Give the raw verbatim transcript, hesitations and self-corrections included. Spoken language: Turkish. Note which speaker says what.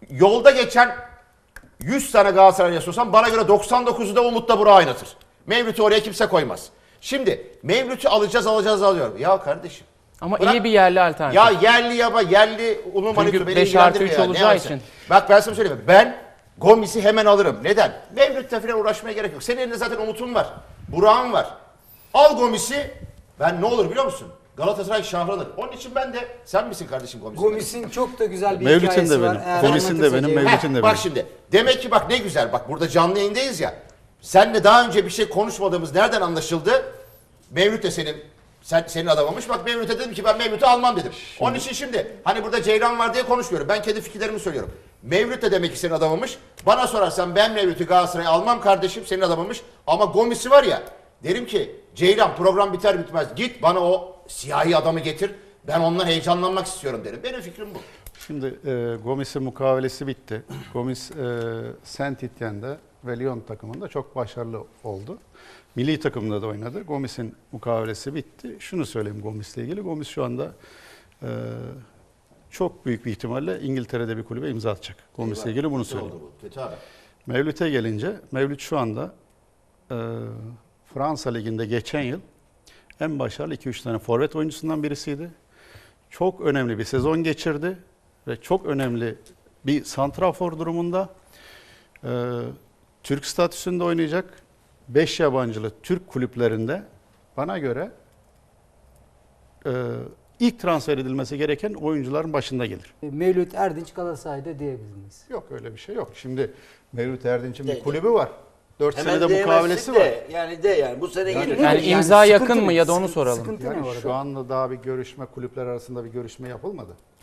Speaker 1: yolda geçen yüz tane Galatasaray'a sorsan bana göre doksan dokuzu da Umut'la Burak'ı oynatır. Mevlüt'ü oraya kimse koymaz. Şimdi Mevlüt'ü alacağız alacağız alıyorum. Ya kardeşim.
Speaker 2: Ama
Speaker 1: bırak,
Speaker 2: iyi bir yerli alternatif.
Speaker 1: Ya yerli yaba yerli unu manitü beni
Speaker 2: beş artı üç
Speaker 1: ilgilendirmiyor.
Speaker 2: olacağı
Speaker 1: Ne
Speaker 2: için.
Speaker 1: Bak ben sana söyleyeyim. Ben Gomis'i hemen alırım. Neden? Mevlüt'le falan uğraşmaya gerek yok. Senin elinde zaten Umut'un var. Burak'ın var. Al Gomis'i. Ben ne olur biliyor musun? Galatasaray şahlanır. Onun için ben de sen misin kardeşim Gomis'in?
Speaker 3: Gomis'in çok da güzel bir
Speaker 4: Mevlüt'ün
Speaker 3: hikayesi
Speaker 4: de
Speaker 3: var.
Speaker 4: benim.
Speaker 3: Eğer
Speaker 4: Gomis'in de benim,
Speaker 3: anlatırsa
Speaker 4: Mevlüt'ün
Speaker 3: Ceyhun.
Speaker 4: de
Speaker 1: Bak
Speaker 4: benim.
Speaker 1: şimdi. Demek ki bak ne güzel. Bak burada canlı yayındayız ya. Senle daha önce bir şey konuşmadığımız nereden anlaşıldı? Mevlüt de senin sen, senin adamınmış. Bak Mevlüt'e dedim ki ben Mevlüt'ü almam dedim. Şimdi. Onun için şimdi hani burada Ceylan var diye konuşmuyorum. Ben kendi fikirlerimi söylüyorum. Mevlüt de demek ki senin adamınmış. Bana sorarsan ben Mevlüt'ü Galatasaray'a almam kardeşim senin adamınmış. Ama Gomis'i var ya derim ki Ceylan program biter bitmez git bana o siyahi adamı getir. Ben ondan heyecanlanmak istiyorum derim. Benim fikrim bu.
Speaker 4: Şimdi e, Gomis'in mukavelesi bitti. Gomis e, Saint Etienne'de ve Lyon takımında çok başarılı oldu. Milli takımda da oynadı. Gomis'in mukavelesi bitti. Şunu söyleyeyim Gomis'le ilgili. Gomis şu anda e, çok büyük bir ihtimalle İngiltere'de bir kulübe imza atacak. Gomis'le ilgili bunu söyleyeyim.
Speaker 1: Kötü haber.
Speaker 4: Mevlüt'e gelince, Mevlüt şu anda e, Fransa Ligi'nde geçen yıl en başarılı iki üç tane forvet oyuncusundan birisiydi. Çok önemli bir sezon geçirdi ve çok önemli bir santrafor durumunda. E, Türk statüsünde oynayacak. beş yabancılı Türk kulüplerinde bana göre e, ilk transfer edilmesi gereken oyuncuların başında gelir.
Speaker 3: Mevlüt Erdinç Galatasaray'da diyebilir miyiz?
Speaker 4: Yok öyle bir şey yok. Şimdi Mevlüt Erdinç'in bir
Speaker 5: Değil.
Speaker 4: kulübü var. dört
Speaker 5: Hemen
Speaker 4: senede
Speaker 5: diyemezsin
Speaker 4: mukavelesi
Speaker 5: de,
Speaker 4: var.
Speaker 5: Yani de yani bu sene
Speaker 4: Yani-
Speaker 5: gelir.
Speaker 2: Yani
Speaker 3: Yani
Speaker 2: imza
Speaker 3: sıkıntı
Speaker 2: yakın
Speaker 3: ne?
Speaker 2: mı ya da onu
Speaker 3: Sıkıntı-
Speaker 2: soralım.
Speaker 3: Sıkıntı ne
Speaker 4: Yani
Speaker 3: orada?
Speaker 4: şu anda daha bir görüşme, kulüpler arasında bir görüşme yapılmadı.